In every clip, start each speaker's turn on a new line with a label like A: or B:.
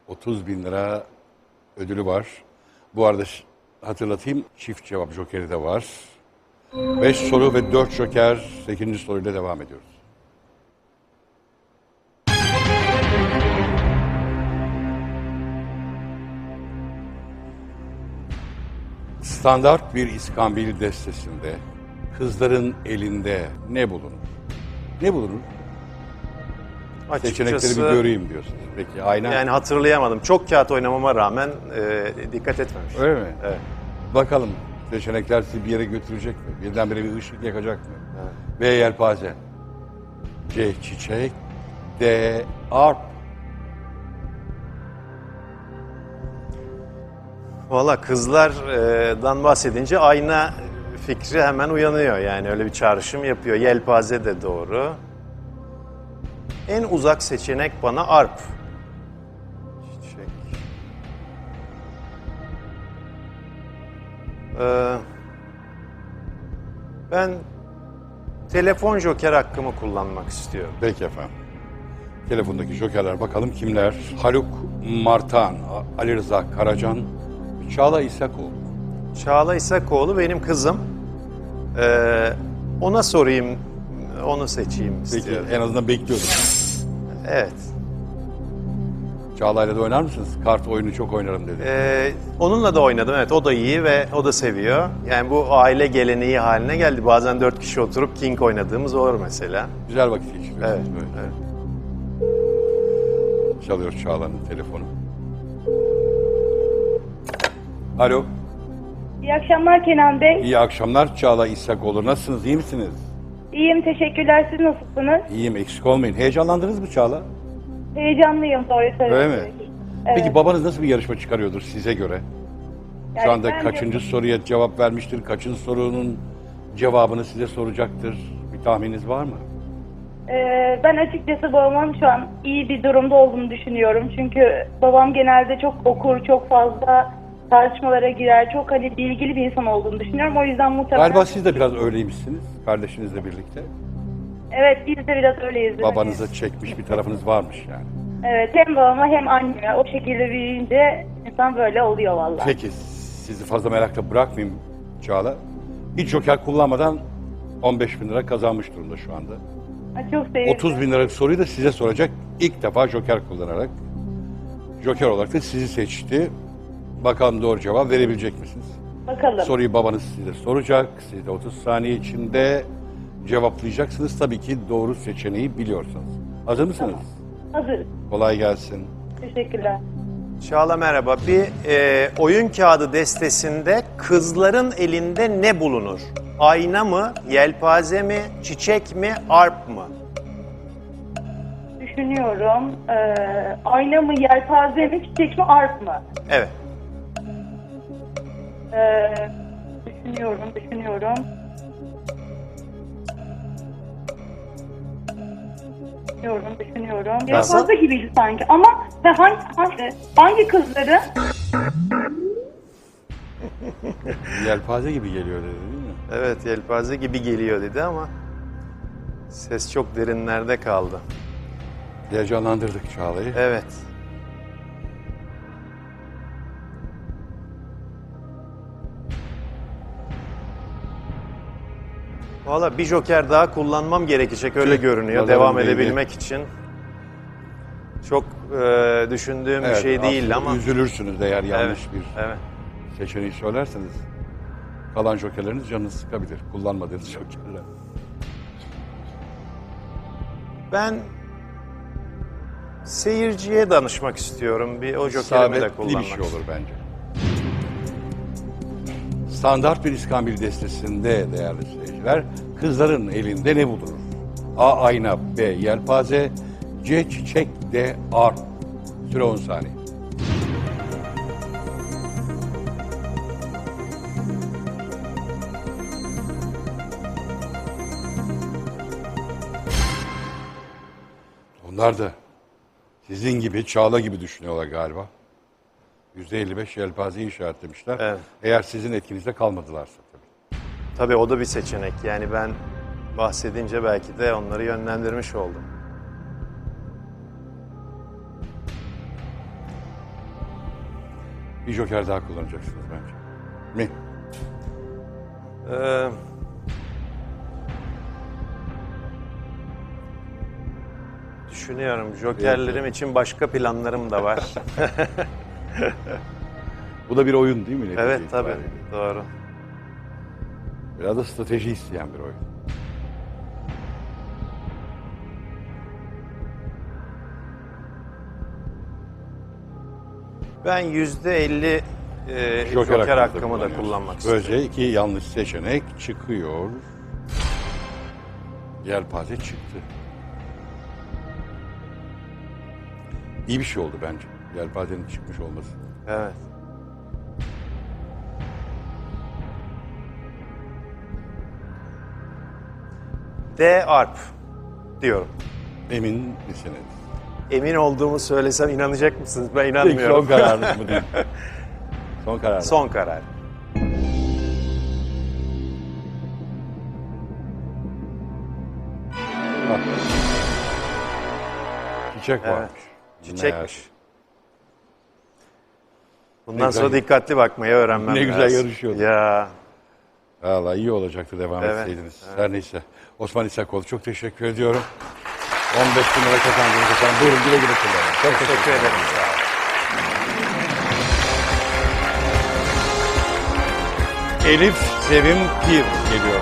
A: 30 bin lira ödülü var. Bu arada hatırlatayım, çift cevap jokeri de var. 5 soru ve 4 joker. 8. soruyla devam ediyoruz. Standart bir iskambil destesinde kızların elinde ne bulunur? Ne bulunur? Seçenekleri bir göreyim diyorsunuz. Peki ayna.
B: Yani hatırlayamadım. Çok kağıt oynamama rağmen dikkat etmemiş.
A: Öyle mi?
B: Evet.
A: Bakalım seçenekler sizi bir yere götürecek mi? Birdenbire bir ışık yakacak mı?
B: Evet.
A: B. Yelpaze. C. Çiçek. D. Arp.
B: Valla kızlardan bahsedince ayna fikri hemen uyanıyor. Yani öyle bir çağrışım yapıyor. Yelpaze de doğru. En uzak seçenek bana arp. Çiçek. Ben telefon joker hakkımı kullanmak istiyorum.
A: Peki efendim. Telefondaki jokerler bakalım kimler? Haluk Martan, Ali Rıza Karacan, Çağla İsakoğlu.
B: Çağla İsakoğlu benim kızım. Ona sorayım, onu seçeyim
A: Peki
B: istiyorum.
A: en azından bekliyordum.
B: Evet.
A: Çağla'yla da oynar mısınız? Kart oyunu çok oynarım dedi.
B: Onunla da oynadım. Evet, o da iyi ve o da seviyor. Yani bu aile geleneği haline geldi. Bazen 4 kişi oturup King oynadığımız olur mesela.
A: Güzel vakit geçiriyorsunuz
B: Evet,
A: böyle.
B: evet.
A: Çalıyor Çağla'nın telefonu. Alo.
C: İyi akşamlar Kenan Bey.
A: İyi akşamlar Çağla İsakoğlu. Nasılsınız? İyi misiniz?
C: İyiyim, teşekkürler. Siz nasılsınız?
A: İyiyim, eksik olmayın. Heyecanlandınız mı Çağla?
C: Heyecanlıyım, doğru
A: Öyle
C: söylüyorsunuz.
A: mi?
C: Evet.
A: Peki babanız nasıl bir yarışma çıkarıyordur size göre? Şu
C: Yani
A: anda
C: ben de-
A: kaçıncı soruya cevap vermiştir? Kaçıncı sorunun cevabını size soracaktır? Bir tahmininiz var mı?
C: Ben açıkçası babamın şu an iyi bir durumda olduğunu düşünüyorum. Çünkü babam genelde çok okur, çok fazla tartışmalara girer, çok hani bilgili bir insan olduğunu düşünüyorum. O yüzden muhtemelen...
A: Galiba siz de biraz öyleymişsiniz, kardeşinizle birlikte.
C: Evet, biz de biraz öyleyiz.
A: Babanıza çekmiş bir tarafınız varmış yani.
C: Evet, hem babama hem anneme o şekilde büyüyünce insan böyle oluyor vallahi.
A: Peki, sizi fazla merakla bırakmayayım Çağla. Hiç joker kullanmadan 15 bin lira kazanmış durumda şu anda.
C: Çok sevindim.
A: 30 bin liralık soruyu da size soracak. İlk defa joker kullanarak. Joker olarak da sizi seçti. Bakalım doğru cevap verebilecek misiniz?
C: Bakalım.
A: Soruyu babanız size soracak. Siz de 30 saniye içinde cevaplayacaksınız. Tabii ki doğru seçeneği biliyorsunuz. Hazır mısınız?
C: Hazır.
A: Kolay gelsin.
C: Teşekkürler.
B: Çağla merhaba. Bir oyun kağıdı destesinde kızların elinde ne bulunur? Ayna mı, yelpaze mi, çiçek mi, arp mı?
C: Düşünüyorum. Ayna mı, yelpaze mi, çiçek mi, arp mı?
B: Evet.
C: Düşünüyorum. Düşünüyorum.
B: Nasıl?
C: Yelpaze gibiydi sanki ama hangi kızları?
A: Yelpaze gibi geliyor dedi değil mi?
B: Evet, yelpaze gibi geliyor dedi ama ses çok derinlerde kaldı.
A: Heyecanlandırdık Çağla'yı.
B: Evet. Valla bir joker daha kullanmam gerekecek öyle görünüyor
A: Nazarın
B: devam
A: değdi.
B: edebilmek için. Çok düşündüğüm bir
A: Evet,
B: şey değil
A: aslında
B: ama.
A: üzülürsünüz eğer yanlış
B: Evet,
A: bir
B: evet.
A: seçeneği söylerseniz. Kalan jokerleriniz canınızı sıkabilir. Kullanmadığınız jokerler.
B: Ben seyirciye danışmak istiyorum. Bir o jokerimi de
A: İsabetli
B: kullanmak
A: bir şey olur
B: istiyorum.
A: bence. Standart bir iskambil destesinde değerli seyirciler, kızların elinde ne bulunur? A. Ayna, B. Yelpaze, C. Çiçek, D. Arp. Süre 10 saniye. Onlar da sizin gibi, Çağla gibi düşünüyorlar galiba. %55 yelpazeyi işaretlemişler.
B: Evet.
A: Eğer sizin etkinizde kalmadılarsa tabii.
B: Tabii o da bir seçenek. Yani ben bahsedince belki de onları yönlendirmiş oldum.
A: Bir joker daha kullanacaksınız bence. Mi?
B: Ee, Düşünüyorum. Jokerlerim için başka planlarım da var.
A: Bu da bir oyun değil mi? netice
B: Evet tabii.
A: itibariyle?
B: Doğru.
A: Biraz da strateji isteyen bir oyun.
B: Ben %50 joker hakkımı da kullanmak istiyorum.
A: Böylece iki yanlış seçenek çıkıyor. Yelpaze çıktı. İyi bir şey oldu bence. Yelpazenin çıkmış olması.
B: Evet. D arp diyorum.
A: Emin misiniz?
B: Emin olduğumu söylesem inanacak mısınız? Ben
A: Peki,
B: inanmıyorum.
A: son kararınız mı değil? Son karar.
B: Son karar.
A: Çiçek
B: Evet.
A: varmış.
B: Çiçekmiş.
A: Ne
B: Bundan
A: güzel.
B: sonra dikkatli bakmayı öğrenmem
A: Ne güzel
B: lazım.
A: yarışıyorduk.
B: Ya.
A: Valla iyi olacaktı devam
B: Evet,
A: etseydiniz. Her neyse. Osman İsakoğlu çok teşekkür ediyorum. 15 bin lira kazandınız efendim. Buyurun güle güle kullanın. Çok
B: Teşekkür ederim. Sağ olun.
A: Elif Sevim Pir geliyor.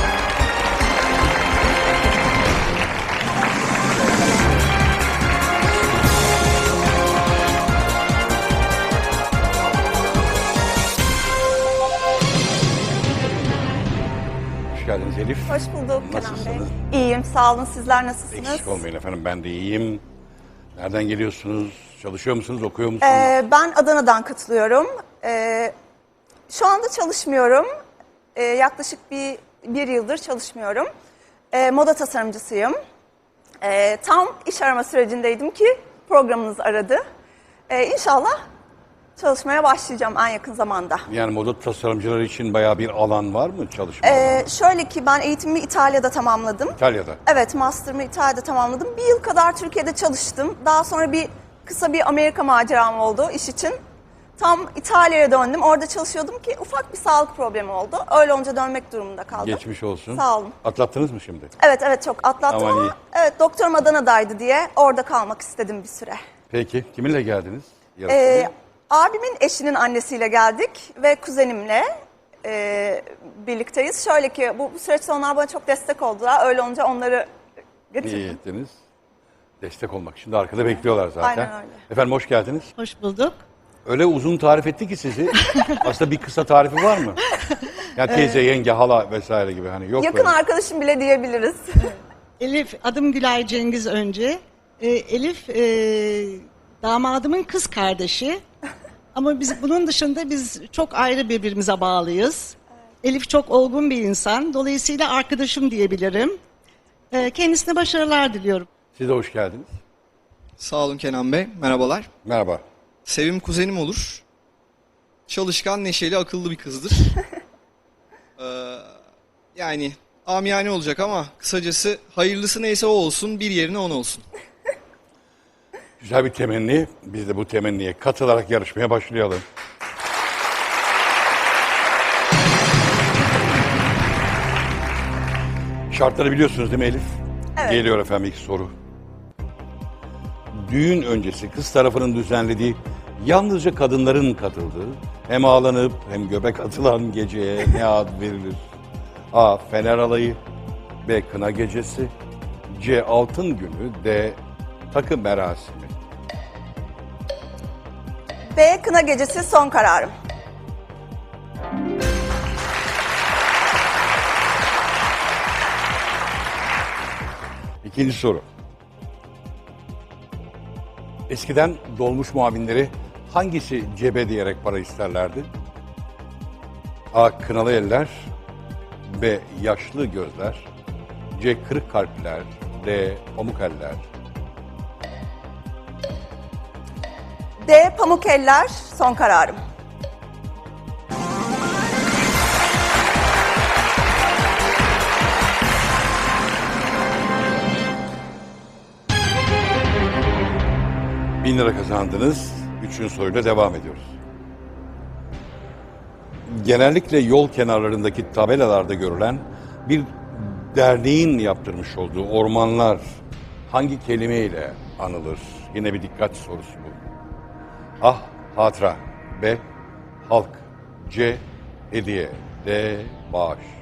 A: Hoş geldiniz Elif.
D: Hoş bulduk Kenan Bey.
A: Nasılsınız?
D: İyiyim, sağ olun. Sizler nasılsınız?
A: Eksik olmayın efendim, ben de iyiyim. Nereden geliyorsunuz? Çalışıyor musunuz? Okuyor musunuz?
D: Ben Adana'dan katılıyorum. Şu anda çalışmıyorum. Yaklaşık bir yıldır çalışmıyorum. Moda tasarımcısıyım. Tam iş arama sürecindeydim ki programınız aradı. İnşallah çalışmaya başlayacağım en yakın zamanda.
A: Yani moda tasarımcıları için bayağı bir alan var mı çalışma alanı?
D: Şöyle ki ben eğitimimi İtalya'da tamamladım.
A: İtalya'da.
D: Evet, master'ımı İtalya'da tamamladım. Bir yıl kadar Türkiye'de çalıştım. Daha sonra kısa bir Amerika maceram oldu iş için. Tam İtalya'ya döndüm. Orada çalışıyordum ki ufak bir sağlık problemi oldu. Öyle olunca dönmek durumunda kaldım.
A: Geçmiş olsun.
D: Sağ olun.
A: Atlattınız mı şimdi?
D: Evet çok atlattım
A: Aman
D: ama
A: iyi.
D: evet, doktorum Adana'daydı diye orada kalmak istedim bir süre.
A: Peki kiminle geldiniz? Yarışmaya?
D: Abimin eşinin annesiyle geldik ve kuzenimle birlikteyiz. Şöyle ki bu süreçte onlar bana çok destek oldular. Öyle olunca onları getirdim.
A: İyi ettiniz. Destek olmak için de arkada bekliyorlar zaten.
D: Aynen öyle.
A: Efendim hoş geldiniz.
E: Hoş bulduk.
A: Öyle uzun tarif etti ki sizi. Aslında bir kısa tarifi var mı? Yani teyze, yenge, hala vesaire gibi hani yok
D: Yakın
A: böyle.
D: arkadaşım bile diyebiliriz.
E: Elif, adım Gülay Cengiz önce. Elif, damadımın kız kardeşi. Ama bunun dışında biz çok ayrı birbirimize bağlıyız. Elif çok olgun bir insan. Dolayısıyla arkadaşım diyebilirim. Kendisine başarılar diliyorum.
A: Siz de hoş geldiniz.
F: Sağ olun Kenan Bey. Merhabalar.
A: Merhaba.
F: Sevim kuzenim olur. Çalışkan, neşeli, akıllı bir kızdır. Yani amiyane olacak ama kısacası hayırlısı neyse o olsun, bir yerine on olsun.
A: Güzel bir temenni. Biz de bu temenniye katılarak yarışmaya başlayalım. Şartları biliyorsunuz değil mi Elif?
D: Evet.
A: Geliyor efendim ilk soru. Düğün öncesi kız tarafının düzenlediği, yalnızca kadınların katıldığı, hem ağlanıp hem göbek atılan geceye ne ad verilir? A. Fener alayı, B. Kına gecesi, C. Altın günü, D. Takı merasimi.
D: B. Kına gecesi son kararım.
A: İkinci soru. Eskiden dolmuş muavinleri hangisi cebe diyerek para isterlerdi? A. Kınalı eller, B. Yaşlı gözler, C. Kırık kalpler, D. Pamuk eller.
D: D. Pamuk eller son kararım.
A: Bin lira kazandınız. Üçüncü soruyla devam ediyoruz. genellikle yol kenarlarındaki tabelalarda görülen bir derneğin yaptırmış olduğu ormanlar hangi kelimeyle anılır? Yine bir dikkat sorusu bu. A. Hatıra. B. Halk. C. Hediye. D. Bağış.